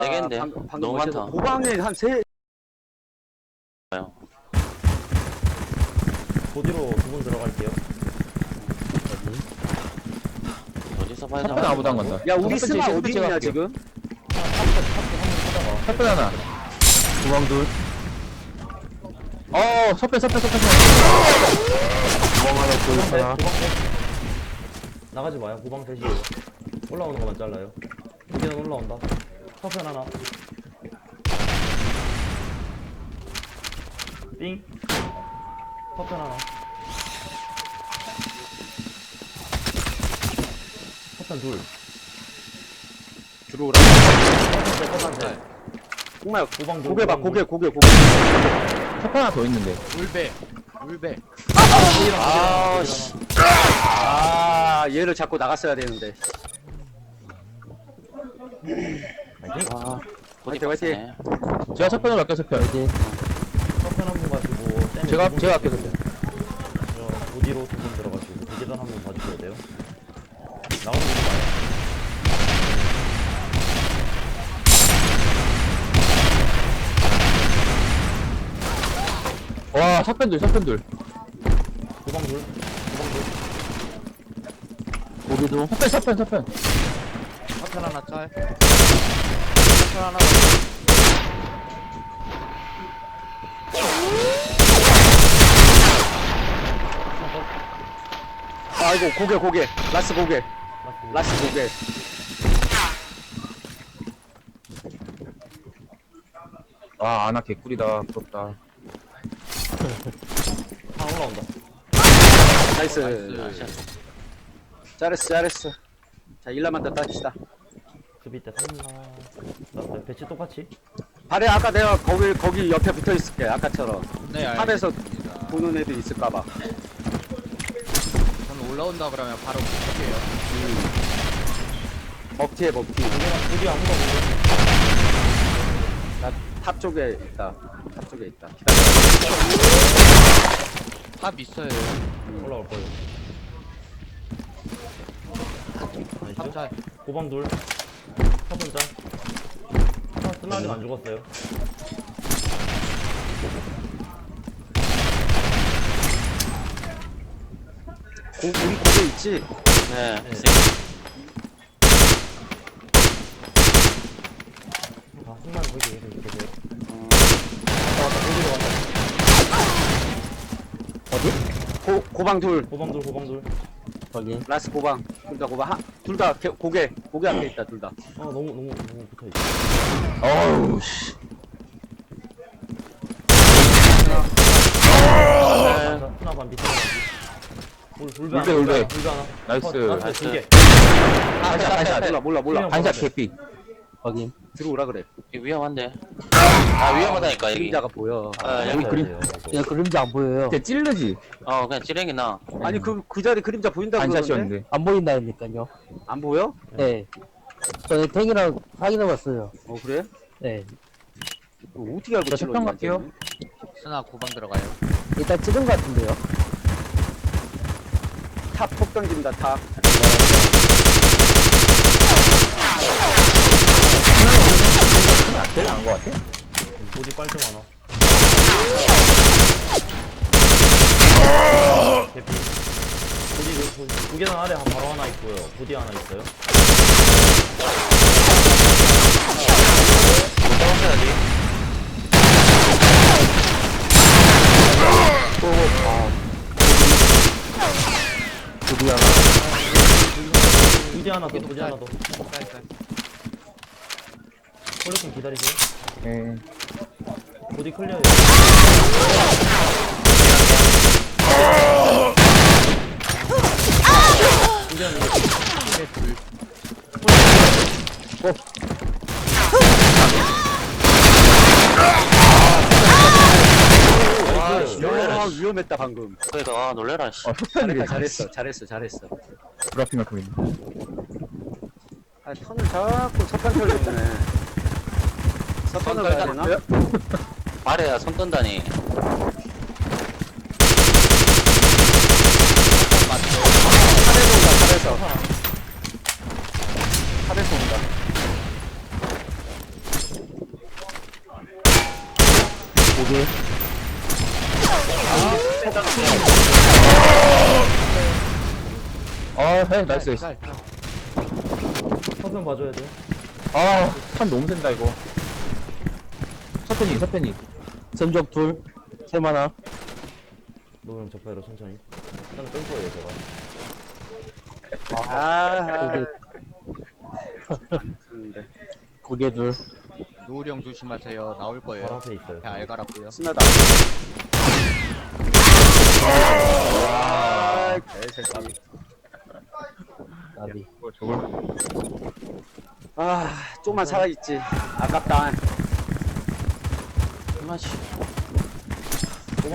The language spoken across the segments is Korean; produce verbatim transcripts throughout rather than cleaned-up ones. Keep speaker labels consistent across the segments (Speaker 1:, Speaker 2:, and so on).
Speaker 1: 되겠는데.
Speaker 2: 방금, 방금
Speaker 1: 너무
Speaker 2: 멋있어.
Speaker 1: 많다.
Speaker 2: 고방에 한 세.
Speaker 3: 보디로 두 분 들어갈게요.
Speaker 1: 어디서 봐야
Speaker 4: 첫 번 아무도 안 간다.
Speaker 2: 야 우리
Speaker 4: 첫 번째,
Speaker 2: 스마
Speaker 4: 첫
Speaker 2: 어디
Speaker 4: 번째
Speaker 2: 있냐
Speaker 4: 갈게요.
Speaker 2: 지금?
Speaker 4: 첫 번 하나. 구방 둘. 어, 섭배, 섭배, 섭배, 섭배. 구방 하나, 둘, 하나.
Speaker 3: 고방 셋. 나가지 마요. 고방 셋이에요. 올라오는 것만 잘라요. 보디는 올라온다. 서편 하나. 삥. 서편 하나. 서편 둘.
Speaker 2: 들어오라.
Speaker 3: 서편 셋, 서편 셋.
Speaker 2: 정말
Speaker 3: 고방 둘.
Speaker 2: 고개 봐
Speaker 3: 고방
Speaker 2: 고개
Speaker 3: 둘.
Speaker 2: 고개 고개.
Speaker 4: 섭배 하나 더 있는데.
Speaker 5: 울배 울배
Speaker 2: 아 씨. 아 얘를 잡고 나갔어야 되는데.
Speaker 3: 파이팅.
Speaker 2: 아
Speaker 1: 어디
Speaker 2: 화이팅,
Speaker 1: 봤네.
Speaker 4: 제가 섭배로 갈게요, 섭배.
Speaker 3: 서편 한 분 가지고 쌤이
Speaker 4: 제가,
Speaker 3: 두 분
Speaker 4: 제가 할게요,
Speaker 3: 가지고. 저 보디로 두 분 들어가시고 보디단 한 분 봐주셔야 돼요. 나오는 거 봐요.
Speaker 4: 와, 섭배 둘, 섭배 둘.
Speaker 3: 고방 둘. 고방 둘.
Speaker 4: 고기도. 섭배, 섭배, 섭배.
Speaker 5: 사편 하나 짤 사편 하나
Speaker 2: 아이고 고개 고개. 라스 고개.
Speaker 3: 라스트.
Speaker 2: 라스 고개.
Speaker 4: 아, 아나 개꿀이다. 부럽다.
Speaker 3: 하나 올라온다.
Speaker 2: 나이스.
Speaker 1: 나이스.
Speaker 2: 잘했어 잘했어. 자 일라만 더 따집시다.
Speaker 3: 그 밑에 탔나. 나, 나 배치 똑같이.
Speaker 2: 발에 아까 내가 거기 거기 옆에 붙어 있을게 아까처럼.
Speaker 5: 네
Speaker 2: 탑에서
Speaker 5: 알겠습니다.
Speaker 2: 보는 애들 있을까봐.
Speaker 5: 저는 올라온다 그러면 바로 붙을게요.
Speaker 2: 먹튀에 먹튀.
Speaker 3: 보디 아무도 없고.
Speaker 2: 나탑 쪽에 있다. 탑 쪽에 있다. 기다려.
Speaker 5: 탑 있어요.
Speaker 3: 올라올 거예요. 나이스.
Speaker 5: 탑 짤.
Speaker 3: 고방 둘. 서분 짤. 하나 쓰나 아직 안 죽었어요.
Speaker 2: 고, 우리 고개 있지?
Speaker 1: 네.
Speaker 3: 네. 아, 승만 거기 계세요. 계세요. 왔다 왔다 보디로 왔다.
Speaker 2: 고, 고방 둘.
Speaker 3: 고방 둘 고방 둘.
Speaker 2: 거기. 라스 고방. 둘 다 고방. 둘 다 고개. 고개 앞에 있다, 둘 다.
Speaker 3: 아 너무 너무 너무 붙어 있어.
Speaker 4: 어우, 씨.
Speaker 3: 하나 하나 반 밑에 하나 반. 울 울배 하나.
Speaker 4: 울배, 울배.
Speaker 3: 울배 하나.
Speaker 4: 나이스.
Speaker 3: 어, 나이스 두 개.
Speaker 2: 반샷, 반샷. 몰라, 몰라, 몰라.
Speaker 4: 반샷 개피.
Speaker 2: 확인. 들어오라 그래.
Speaker 1: 이거 위험한데. 아 위험하다니까 여기.
Speaker 2: 그림자가 보여.
Speaker 1: 아 여기.
Speaker 4: 그림-
Speaker 2: 야, 그림자 안 보여요.
Speaker 4: 걔 찔르지?
Speaker 1: 어 그냥 찌랭이 나.
Speaker 2: 아니, 그, 그 자리 그림자 보인다고 그러는데?
Speaker 4: 반샷이었는데.
Speaker 6: 안 보인다니까요.
Speaker 2: 안 보여?
Speaker 6: 네. 저는 탱이랑 확인해봤어요.
Speaker 2: 어, 그래?
Speaker 6: 네.
Speaker 2: 어, 어떻게 알고
Speaker 4: 저
Speaker 2: 찍어,
Speaker 4: 석방
Speaker 2: 이거
Speaker 4: 갈게요.
Speaker 2: 완전히?
Speaker 5: 스나 고방 들어가요.
Speaker 6: 일단 찍은 것 같은데요.
Speaker 2: 탑폭 던진다, 탑.
Speaker 4: 제일 나은 것 같아?
Speaker 3: 보디 빨좀 하나. 개피. 보디 그 보디 두 계단 아래 한 바로 하나 있고요. 보디 하나 있어요.
Speaker 1: 못 떨어져야지.
Speaker 6: 드디 하나.
Speaker 3: 보디 하나 더 보디 하나 더.
Speaker 5: 짤짤.
Speaker 3: 콜렉 좀 기다리세요.
Speaker 4: 예.
Speaker 3: 보디 클리어요. 보디 하나
Speaker 2: 아,
Speaker 1: 씨,
Speaker 2: 야, 위험했다, 방금.
Speaker 1: 그러니까 아 놀래라 씨.
Speaker 4: 어,
Speaker 2: 잘했다,
Speaker 4: 섭배인데.
Speaker 2: 잘했어, 잘했어, 잘했어.
Speaker 4: 브라핑 갖고 있네.
Speaker 2: 아, 턴을 자꾸 석판 털렸네. 석판을 가야 되나?
Speaker 1: 발에야 손 떤다니.
Speaker 2: 탑에서 온다, 탑에서. 탑에서 온다.
Speaker 6: 고개.
Speaker 4: 아, 해, 나이스.
Speaker 5: 쌀, 쌀.
Speaker 3: 서편 봐줘야 돼요.
Speaker 4: 아, 판 너무 센다, 이거. 서편이, 서편이.
Speaker 6: 전적 둘. 셈 하나.
Speaker 3: 노면 적배로 천천히. 일단 끌 거예요, 제가.
Speaker 2: 아,
Speaker 6: 고개. 고개 둘.
Speaker 5: 노을형 조심하세요. 나올
Speaker 3: 바로
Speaker 5: 거예요.
Speaker 3: 앞에 있어요.
Speaker 5: 그냥 알갈았고요.
Speaker 2: 스나다. 아, 개새끼.
Speaker 6: 나비.
Speaker 4: 뭐, 저걸.
Speaker 2: 아, 좀만 살아있지. 아깝다.
Speaker 1: 그만치.
Speaker 3: 도망.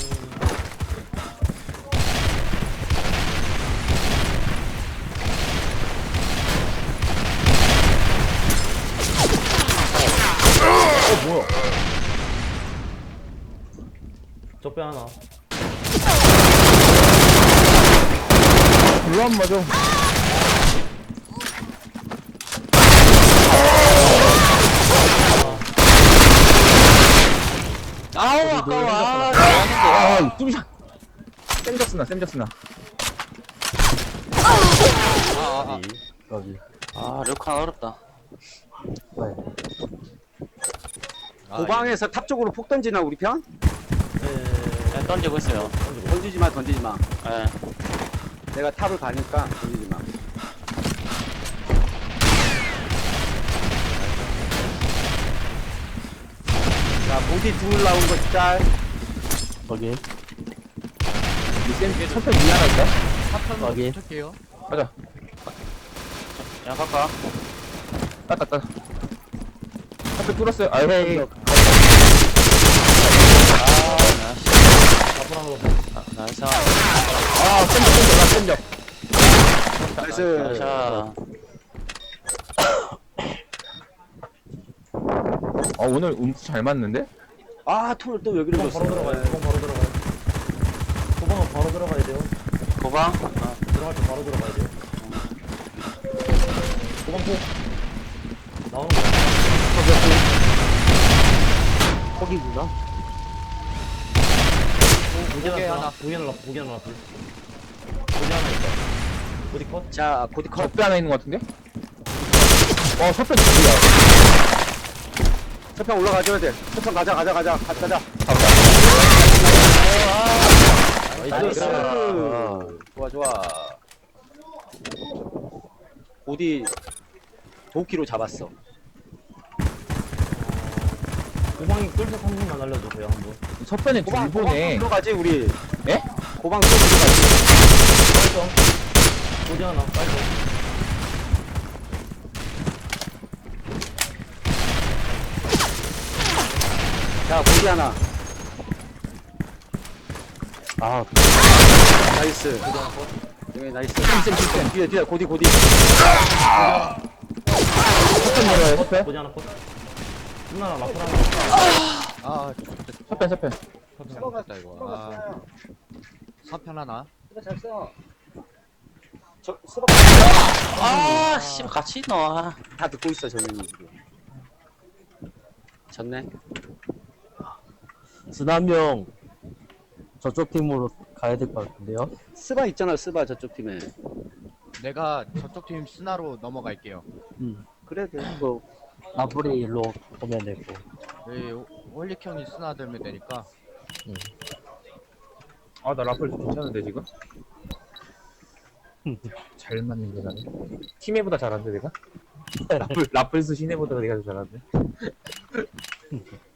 Speaker 4: 어, 뭐야.
Speaker 3: 적배 하나.
Speaker 4: 별로 안 맞아.
Speaker 1: 아우, 아까워. 아,
Speaker 4: 아, 뚜비샷. 쌤작스나, 쌤작스나.
Speaker 5: 아, 아,
Speaker 6: 나비.
Speaker 1: 아, 르칸 어렵다.
Speaker 6: 네.
Speaker 5: 아.
Speaker 2: 고방에서 탑 쪽으로 폭 던지나, 우리 편?
Speaker 3: 네.
Speaker 1: 네, 던지고 있어요.
Speaker 2: 던지지 마, 던지지 마.
Speaker 1: 예.
Speaker 2: 내가 탑을 가니까 던지지 마. 자, 보디 둘 나온 거 짤.
Speaker 6: 거기.
Speaker 4: 쌤, 서편 위 하나 있다?
Speaker 5: 사편으로
Speaker 6: 거기.
Speaker 5: 붙을게요.
Speaker 4: 가자.
Speaker 1: 야, 가까.
Speaker 4: 따따, 따. 서편 뚫었어요. 아유,
Speaker 6: 헤이.
Speaker 1: 아, 나이스.
Speaker 3: 앞으로 하나 더.
Speaker 1: 아, 나이스.
Speaker 4: 아, 쌤적, 쌤적, 나 쌤적.
Speaker 2: 나이스.
Speaker 1: 나이스.
Speaker 4: 아, 오늘 음수 잘 맞는데?
Speaker 2: 아, 톤을 또 여기로
Speaker 3: 도방
Speaker 2: 줬어.
Speaker 3: 바로 들어가요. 도방 바로 들어가요. 도방은 바로 들어가야 돼요.
Speaker 1: 고방? 아,
Speaker 3: 들어갈 때 바로 들어가야 돼요. 도방 폭. 나오는 거.
Speaker 6: 거기구나.
Speaker 3: 고기
Speaker 5: 고개
Speaker 3: 하나.
Speaker 5: 하나.
Speaker 3: 고기 하나. 고기 하나. 불. 고기 하나 있다. 어디 컷?
Speaker 2: 자, 보디 컷.
Speaker 4: 적배 하나 있는 것 같은데? 어, 서편 둘이야.
Speaker 2: 첫편 올라가줘야 돼. 첫편 가자, 가자, 가자. 가, 가자. 나이스.
Speaker 6: 아.
Speaker 2: 좋아, 좋아. 보디 도끼로 잡았어.
Speaker 3: 고방이 끌서 한 번만 알려주세요, 한 번.
Speaker 4: 서편에 둘
Speaker 2: 고방, 고방
Speaker 4: 보네.
Speaker 2: 들어가지, 우리.
Speaker 4: 예?
Speaker 2: 고방 또 들어가지.
Speaker 3: 빨리 고기 하나. 빨리
Speaker 2: 자, 보디 하나.
Speaker 6: 아,
Speaker 2: 나이스. 여기 나이스. 뒤에, 뒤에, 고디, 고디.
Speaker 4: 서편 내려요, 서편.
Speaker 3: 고기 하나 컷. 누나랑 라플 하나.
Speaker 5: 아,
Speaker 4: 서편, 서편.
Speaker 5: 잘못했다 이거. 아, 사편 하나.
Speaker 2: 저, 수박.
Speaker 1: 아, 씨, 같이 넣어.
Speaker 2: 다 듣고 있어, 저는 지금. 졌네.
Speaker 6: 스남형 저쪽 팀으로 가야 될 것 같은데요.
Speaker 2: 스바 있잖아, 스바 저쪽 팀에.
Speaker 5: 내가 저쪽 팀 스나로 넘어갈게요.
Speaker 6: 음.
Speaker 2: 그래, 돼.
Speaker 6: 그 나불이 일로 오면 되고.
Speaker 5: 왜 홀릭 형이 스나 들면 되니까.
Speaker 4: 아, 나 라플 괜찮은데, 지금? 잘 맞는데, 나는. 팀에보다 잘하는데, 내가? 라플, 라플스 시내보다 내가 더 잘하는데.